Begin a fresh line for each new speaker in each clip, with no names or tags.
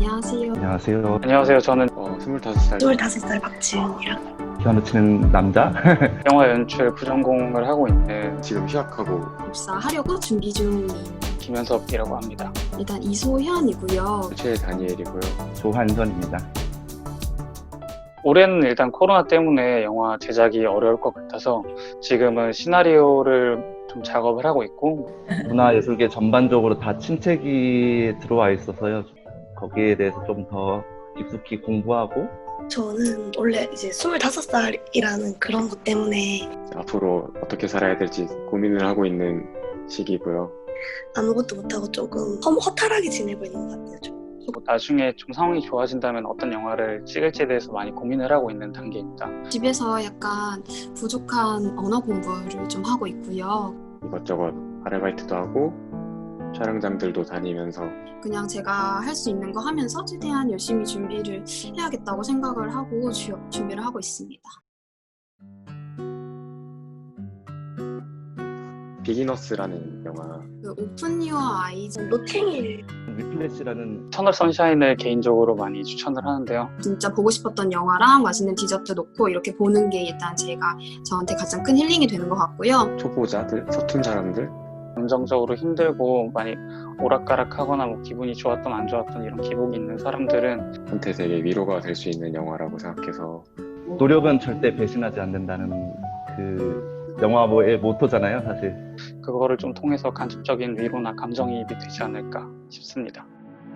안녕하세요.
안녕하세요.
안녕하세요. 저는 25살
25살 박지은이랑
피아노 치는 남자?
영화 연출 부전공을 하고 있는
지금 휴학하고
입사하려고 준비 중인
김현섭이라고 합니다.
일단 이소현이고요.
최다니엘이고요.
조한선입니다.
올해는 일단 코로나 때문에 영화 제작이 어려울 것 같아서 지금은 시나리오를 좀 작업을 하고 있고
문화예술계 전반적으로 다 침체기 들어와 있어서요. 거기에 대해서 좀 더 깊숙이 공부하고
저는 원래 이제 25살이라는 그런 것 때문에
앞으로 어떻게 살아야 될지 고민을 하고 있는 시기고요.
아무것도 못하고 조금 허탈하게 지내고 있는 것 같아요. 좀.
나중에 좀 상황이 좋아진다면 어떤 영화를 찍을지에 대해서 많이 고민을 하고 있는 단계입니다.
집에서 약간 부족한 언어 공부를 좀 하고 있고요.
이것저것 아르바이트도 하고 촬영장들도 다니면서
그냥 제가 할 수 있는 거 하면서 최대한 열심히 준비를 해야겠다고 생각을 하고 준비를 하고 있습니다.
비기너스라는 영화
그 오픈 유어 아이즈 노탱일
위플래시라는
터널 선샤인을 개인적으로 많이 추천을 하는데요.
진짜 보고 싶었던 영화랑 맛있는 디저트 놓고 이렇게 보는 게 일단 저한테 가장 큰 힐링이 되는 것 같고요.
초보자들, 서툰 사람들
감정적으로 힘들고 많이 오락가락하거나 뭐 기분이 좋았던 안 좋았던 이런 기복이 있는 사람들은
한테 되게 위로가 될 수 있는 영화라고 생각해서
노력은 절대 배신하지 않는다는 그 영화의 모토잖아요, 사실.
그거를 좀 통해서 간접적인 위로나 감정이입이 되지 않을까 싶습니다.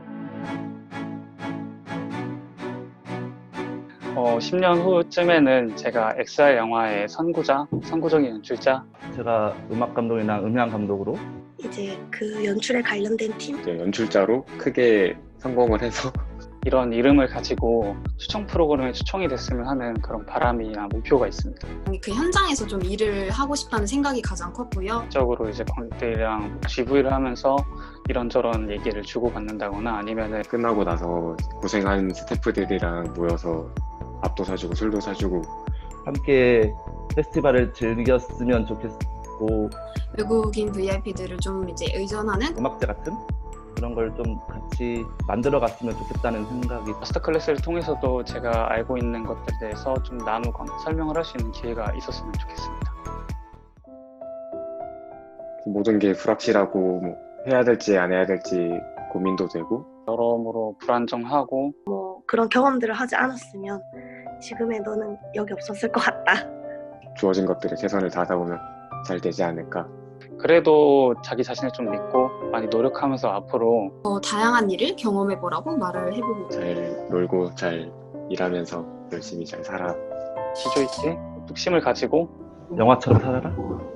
10년 후쯤에는 제가 XR 영화의 선구적인 연출자
제가 음악 감독이나 음향 감독으로
이제 그 연출에 관련된 팀
이제 연출자로 크게 성공을 해서
이런 이름을 가지고 추천 프로그램에 추천이 됐으면 하는 그런 바람이나 목표가 있습니다.
그 현장에서 좀 일을 하고 싶다는 생각이 가장 컸고요.
적으로 이제 관객들이랑 GV를 하면서 이런저런 얘기를 주고받는다거나 아니면은
끝나고 나서 고생한 스태프들이랑 모여서 밥도 사주고 술도 사주고
함께 페스티벌을 즐겼으면 좋겠고
외국인 VIP들을 좀 이제 의존하는
음악제 같은 그런 걸 좀 같이 만들어 갔으면 좋겠다는 생각이
마스터 클래스를 통해서도 제가 알고 있는 것들에 대해서 좀 나누거나 설명을 할 수 있는 기회가 있었으면 좋겠습니다.
모든 게 불확실하고 뭐 해야 될지 안 해야 될지 고민도 되고
여러모로 불안정하고
그런 경험들을 하지 않았으면 지금의 너는 여기 없었을 것 같다.
주어진 것들에 최선을 다하다 보면 잘 되지 않을까.
그래도 자기 자신을 좀 믿고 많이 노력하면서 앞으로
다양한 일을 경험해보라고 말을 해보고
잘 놀고 잘 일하면서 열심히 잘 살아.
기조 있게 뚝심을 가지고
영화처럼 살아라?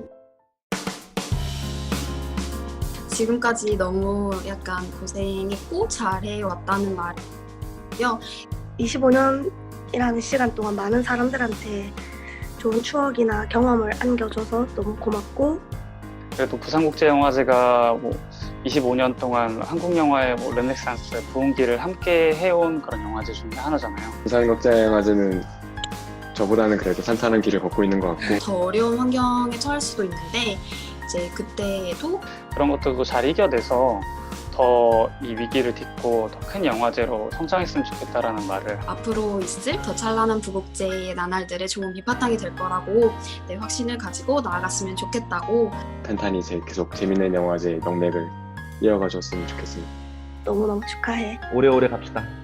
지금까지 너무 약간 고생했고 잘해왔다는 말이요. 25년이라는 시간 동안 많은 사람들한테 좋은 추억이나 경험을 안겨줘서 너무 고맙고
그래도 부산국제영화제가 25년 동안 한국 영화의 르네상스 부흥기를 함께 해온 그런 영화제 중에 하나잖아요.
부산국제영화제는 저보다는 그래도 산탄한 길을 걷고 있는 것 같고
더 어려운 환경에 처할 수도 있는데 이제 그때에도
그런 것들도 잘 이겨내서 더 이 위기를 딛고 더 큰 영화제로 성장했으면 좋겠다라는 말을
앞으로 있을 더 찬란한 부국제의 나날들의 좋은 밑바탕이 될 거라고 확신을 가지고 나아갔으면 좋겠다고
탄탄히 계속 재밌는 영화제 명맥을 이어가 줬으면 좋겠습니다.
너무너무 축하해.
오래오래 갑시다.